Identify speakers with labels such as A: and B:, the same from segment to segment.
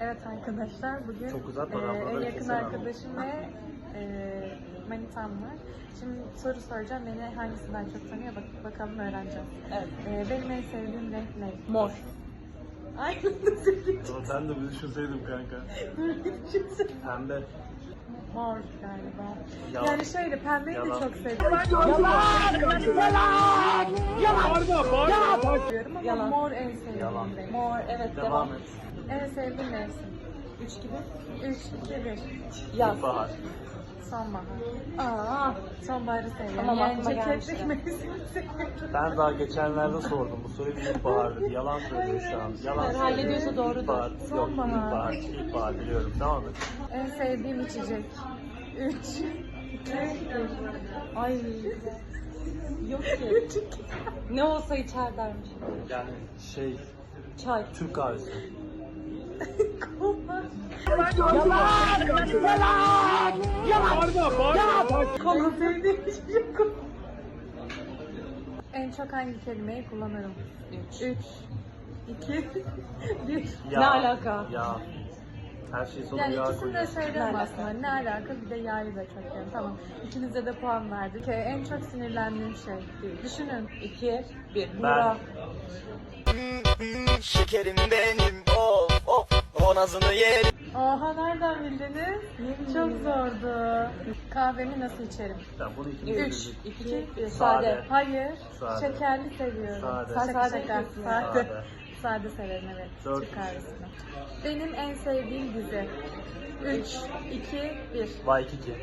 A: Evet arkadaşlar, bugün
B: Çok güzel
A: en
B: paraboları
A: yakın
B: kesemem.
A: arkadaşım ve manitam var. Şimdi soru soracağım, beni hangisinden çok tanıyor bakalım öğreneceğiz.
C: Evet.
A: Benim en sevdiğim renk ne?
C: Mor.
A: Aynen söyleyeceğim.
B: Ama ben de bir düşünseydim kanka. Pembe.
A: Mor galiba.
B: Yalan.
A: Yani şöyle pembeyi de
B: Yalan.
A: çok seviyorum. Diyorum ama
C: Yalan.
A: mor en sevdiğim
B: Yalan.
A: renk.
C: Mor, evet devam.
B: Devam et.
A: En sevdiğim mevsim.
C: 3 gibi.
A: 3, 2, 1.
C: Yaz.
B: Bahar.
A: Sonbahar.
C: Aa,
A: Sonbaharı seviyorum.
C: Tamam,
A: Yani
C: aklıma
A: ceketlik
C: gelmişti.
A: mevsimi seviyorum.
B: Ben daha geçenlerde sordum. Bu soruyu bir ilkbahar dedi. Yalan söylüyor şu an. Yalan
C: Evet,
B: söylüyor.
C: hallediyorsa doğrudur.
B: İlkbahar. Yok,
A: Sonbahar.
B: ilkbahar. İlkbahar biliyorum. Tamam mı?
A: En sevdiğim içecek. 3, 2, 1.
C: ay. Yok ki. Ne olsa içer dermiş.
B: Yani
C: Çay.
B: Türk kahvesi.
A: Kola sevdiğim içecek kola. En çok hangi kelimeyi kullanırım? 3, 2, 1.
B: Ya,
C: Ne alaka?
B: Ya. Her şeyi sonuna
A: Yani
B: yağ
A: ikisini de
B: koyuyorsun.
A: söylerim
C: Ne
A: aslında. Ne alaka? Bir de yağı da çok yani. Tamam. İkinize de puan verdik. En çok sinirlendiğim şey. Düşünün.
C: 2, 1.
B: Ben.
C: Burak.
D: Şekerim benim of of o nazını yerim.
A: Oha, nereden bildiniz? Çok zordu. Kahvemi nasıl içerim?
B: Ben bunu ikimiz
A: 3,
B: bildik.
A: 2, 1.
C: Sade.
A: Hayır.
B: Sade.
A: Şekerli seviyorum.
B: Sade.
A: Şaka
C: Sade
A: şaka.
C: diyorsun ya.
A: Sade.
B: Sade.
A: Sade severim, evet.
B: Dört.
A: Türk kahvesini. Benim en sevdiğim dizi. 3, 2, 1.
B: Waikiki.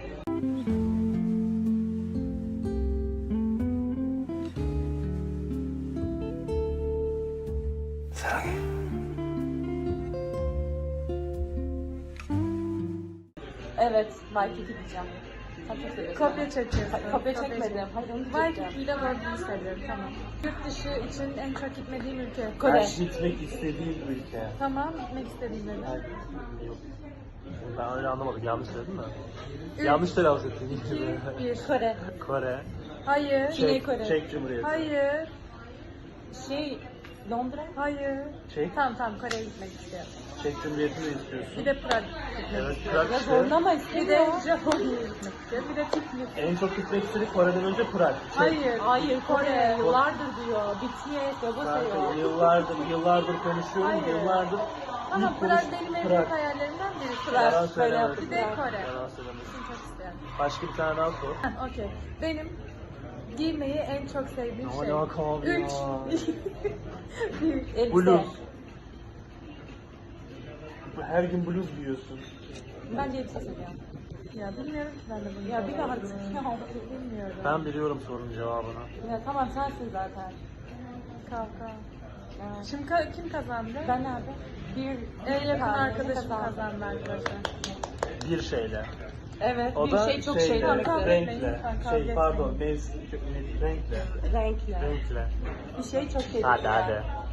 C: Evet, Waikiki diyeceğim. Sen çok seviyorsun.
A: Kopya çekiyorsun.
C: Kopya çekmedim. Hayır, onu
A: Waikiki
C: çekeceğim.
A: ile Word'unu seviyorum. Tamam. Yurt dışı için en çok gitmediğim ülke.
C: Kore.
B: Ben gitmek istediğim ülke.
A: Tamam, gitmek istediğim dedim.
B: Yok. Ben öyle anlamadım. Yanlış söyledim mi?
A: Üç,
B: Yanlış telaffuz ettim.
A: 2, 1.
C: Kore.
B: Kore.
A: Hayır.
C: Güney Kore.
B: Çek Cumhuriyeti.
A: Hayır.
C: Londra.
A: Hayır.
B: Çek.
A: Tamam, Kore'ye gitmek istiyorum.
B: Çek Cumhuriyeti'ni de istiyorsun.
A: Bir de Prag gitmek
B: Evet,
A: istiyorum.
B: Prag
C: Ya
B: işte.
C: zorlama
A: Bir de
C: istemiyor.
A: Japonya'ya gitmek istiyorum. Bir de Tiflis.
B: En çok gitmek istedik Kore'den önce Prag. Çek.
A: Hayır.
C: Hayır, Kore. Yıllardır diyor. BTS, Baba
B: Kanka,
C: sayıyor.
B: yıllardır konuşuyorum.
A: Hayır.
B: Yıllardır.
A: Ama
B: ilk
A: Prag
B: konuş-
A: benim en
B: Prag.
A: büyük hayallerimden birisi.
C: Prag.
B: Yalan
C: Öyle
B: söyleme.
C: yaptık.
A: Bir de Kore.
B: Yalan söylemesin.
A: Bunu çok istiyorum.
B: Başka bir tane daha sor.
A: Heh, okey. Benim giymeyi en çok sevdiğim
B: Ne
A: şey.
B: alaka abi
A: 3,
B: ya?
A: 1.
C: Elbise.
B: Bluz. Her gün bluz giyiyorsun.
C: Bence elbise seviyorum.
A: Ya bilmiyorum ki ben de bunu.
C: Ya bir de artık
A: Bilmiyorum.
B: Ben biliyorum sorunun cevabını.
C: Ya tamam sensin zaten.
A: Kavga.
C: Ya.
A: Şimdi kim kazandı?
C: Ben nerede? Bir
A: En yakın
C: tane
A: arkadaşım
C: kazandı.
A: kazandı arkadaşlar.
B: Bir şeyle.
C: Evet,
B: O
C: bir
B: da
C: şey çok şey
B: şeyle,
C: demektir.
B: renkle.
A: Kavga
B: Şey
A: etmeyin.
B: pardon, mevsim, renkle.
C: Renkle.
B: Renkle.
C: Bir şey çok şey
B: Hadi
C: demektir.
B: hadi.